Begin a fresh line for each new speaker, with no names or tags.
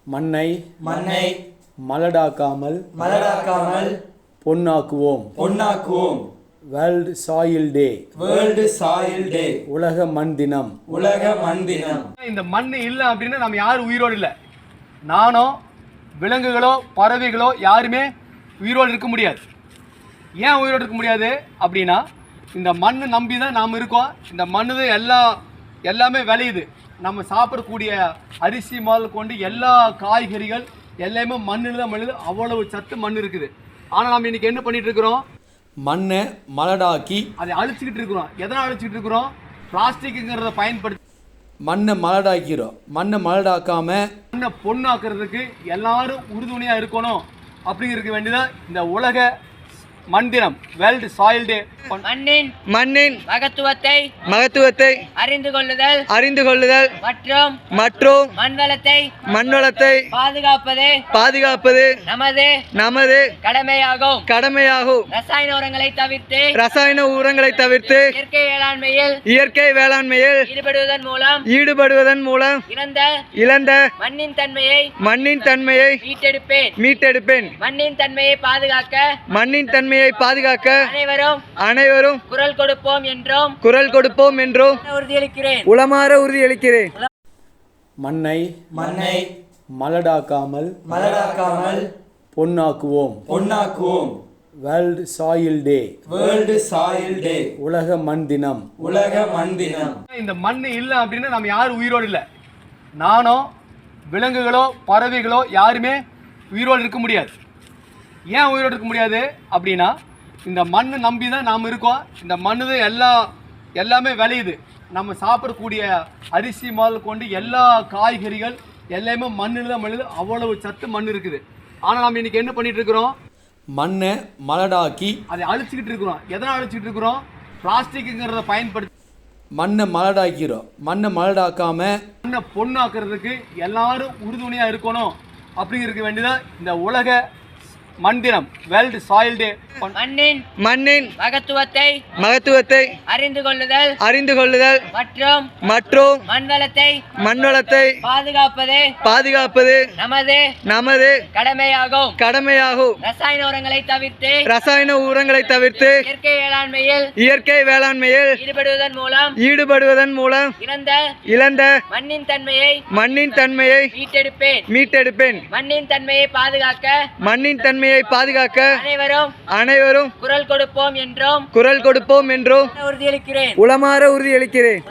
மண்ணை
மண்ணை
மலடாக்காமல்
மலடாக்காமல்
பொன்னாக்குவோம். World soil day.
World soil day.
உலக மண் தினம்.
உலக மண் தினம்.
இந்த மண் இல்லை அப்படின்னா நம்ம யாரும் உயிரோடு இல்லை. நானோ விலங்குகளோ பறவைகளோ யாருமே உயிரோடு இருக்க முடியாது. ஏன் உயிரோடு இருக்க முடியாது அப்படின்னா இந்த மண்ணை நம்பி தான் நாம் இருக்கோம். இந்த மண்ணு தான் எல்லாமே விளையுது. நம்ம சாப்பிடக்கூடிய அரிசி முதல் கொண்டு எல்லா காய்கறிகள் எல்லாமே மண்ணில் தான் விளையுது. அவ்வளவு சத்து மண் இருக்குது. ஆனால் நம்ம இன்றைக்கி என்ன பண்ணிகிட்டு இருக்கிறோம்?
மண்ணை மலடாக்கி
அதை அழிச்சிக்கிட்டு இருக்கிறோம். எதனால் அழிச்சிக்கிட்டு இருக்கிறோம்? பிளாஸ்டிக்குங்கிறத பயன்படுத்தி
மண்ணை மலடாக்கிறோம். மண்ணை மலடாக்காம
மண்ணை பொண்ணாக்குறதுக்கு எல்லாரும் உறுதுணையாக இருக்கணும் அப்படிங்கிறதுக்கு வேண்டிதான் இந்த உலக மண் தினம், வேர்ல்டு சாயில் டே.
மண்ணின் மகத்துவத்தை அறிந்து கொள்ளுதல் மற்றும் மண்வளத்தை பாதுகாப்பது நமது கடமையாகும். ரசாயன உரங்களை தவிர்த்து இயற்கை வேளாண்மையில் ஈடுபடுவதன் மூலம் இழந்த மண்ணின் தன்மையை மீட்டெடுப்பேன். மண்ணின் தன்மையை பாதுகாக்க அனைவரும் குரல் கொடுப்போம் என்றும் உளமாற உறுதியளிக்கிறேன்.
மண்ணை
மண்ணை
மலடாக்காமல் பொன்னாக்குவோம். World soil day.
World soil day.
உலக மண் தினம்.
உலக மண் தினம்.
இந்த மண் இல்லை அப்படின்னா நம்ம யாரும் உயிரோடு இல்லை. நானோ விலங்குகளோ பறவைகளோ யாருமே உயிரோடு இருக்க முடியாது. ஏன் உயிரோடு இருக்க முடியாது அப்படின்னா இந்த மண்ணை நம்பி தான் நாம் இருக்கோம். இந்த மண்ணு தான் எல்லாமே விளையுது. நம்ம சாப்பிடக்கூடிய அரிசி முதல் கொண்டு எல்லா காய்கறிகள் எல்லாமே மண்ணில் தான் விளையுது. அவ்வளவு சத்து மண் இருக்குது. ஆனால் நம்ம இன்றைக்கி என்ன பண்ணிகிட்டு இருக்கிறோம்?
மண்ணை மலடாக்கி
அதை அழிச்சிக்கிட்டு இருக்கிறோம். எதனால் அழிச்சிக்கிட்டு இருக்கிறோம்? பிளாஸ்டிக்குங்கிறத பயன்படுத்தி
மண்ணை மலடாக்கிறோம். மண்ணை மலடாக்காம
மண்ணை பொண்ணாக்குறதுக்கு எல்லாரும் உறுதுணையாக இருக்கணும் அப்படிங்கிறதுக்கு வேண்டிதான் இந்த உலக மண் தினம், வேர்ல்டு சாயில் டே. மண்ணின் மகத்துவத்தை அறிந்து கொள்ளுதல் மற்றும் மண்வளத்தை பாதுகாப்பது நமது கடமையாகும். ரசாயன உரங்களை தவிர்த்து இயற்கை வேளாண்மையில் ஈடுபடுவதன் மூலம் இழந்த மண்ணின் தன்மையை மீட்டெடுப்பேன். மண்ணின் தன்மையை பாதுகாக்க அனைவரும் குரல் கொடுப்போம் என்றும் உளமாற உறுதியளிக்கிறேன்.